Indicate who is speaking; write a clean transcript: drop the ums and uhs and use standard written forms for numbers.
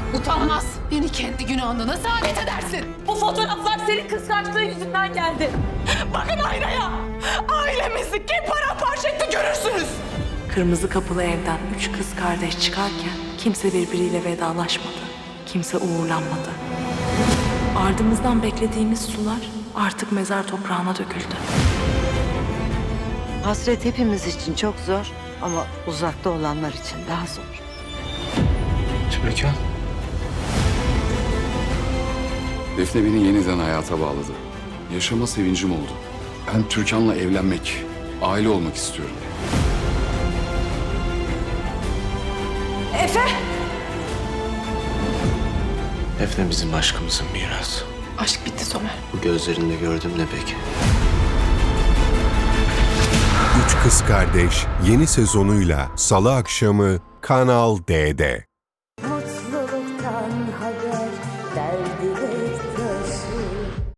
Speaker 1: Utanmaz. Beni kendi günahına nasıl alet edersin?
Speaker 2: Bu fotoğraflar senin kıskançlığın yüzünden geldi. Bakın aynaya. Ailemizi kim paramparça etti görürsünüz.
Speaker 3: Kırmızı kapılı evden 3 kız kardeş çıkarken kimse birbiriyle vedalaşmadı. Kimse uğurlanmadı. Ardımızdan beklediğimiz sular artık mezar toprağına döküldü.
Speaker 4: Hasret hepimiz için çok zor ama uzakta olanlar için daha zor.
Speaker 5: Türkan.
Speaker 6: Defne beni yeniden hayata bağladı. Yaşama sevincim oldu. Ben Türkan'la evlenmek, aile olmak istiyorum.
Speaker 5: Defne bizim aşkımızın mirası.
Speaker 1: Aşk bitti Somer.
Speaker 5: Bu gözlerinde gördüm ne peki?
Speaker 7: Üç Kız Kardeş yeni sezonuyla Salı akşamı Kanal D'de.
Speaker 8: Mutluluktan haber, derdine